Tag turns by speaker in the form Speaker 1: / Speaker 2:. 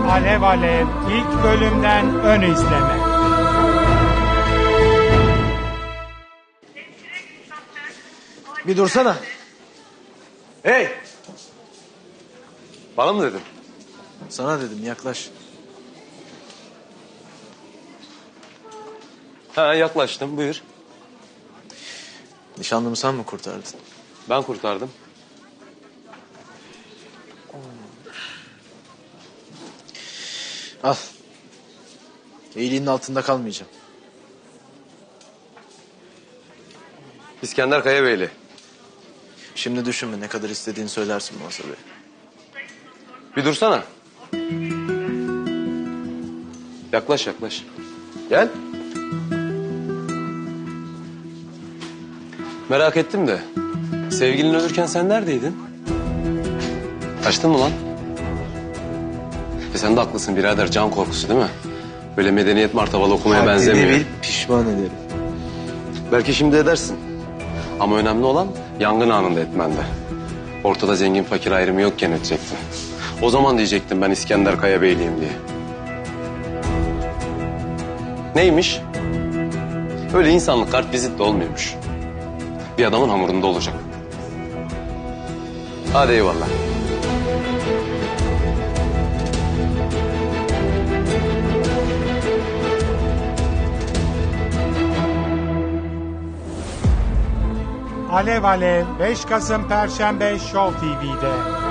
Speaker 1: Alev Alev ilk bölümden ön izleme.
Speaker 2: Bir dursana.
Speaker 3: Hey! Bana mı dedin?
Speaker 2: Sana dedim, yaklaş.
Speaker 3: Ha, yaklaştım, buyur.
Speaker 2: Nişanlımı sen mi kurtardın?
Speaker 3: Ben kurtardım.
Speaker 2: Al. İyiliğinin altında kalmayacağım.
Speaker 3: İskender Kayabeyli.
Speaker 2: Şimdi düşünme, ne kadar istediğini söylersin Mazhar Bey.
Speaker 3: Bir dursana. Yaklaş, yaklaş. Gel. Merak ettim de, sevgilin ölürken sen neredeydin? Kaçtın mı lan? Sen de haklısın birader, can korkusu değil mi? Böyle medeniyet martabalı okumaya benzemiyor.
Speaker 2: Haddini bil, pişman ederim.
Speaker 3: Belki şimdi edersin. Ama önemli olan yangın anında etmende. Ortada zengin fakir ayrımı yokken edecektin. O zaman diyecektim ben İskender Kayabeyliyim diye. Neymiş? Öyle insanlık kart vizitle olmuyormuş. Bir adamın hamurunda olacak. Hadi eyvallah.
Speaker 1: Alev Alev 5 Kasım Perşembe Show TV'de.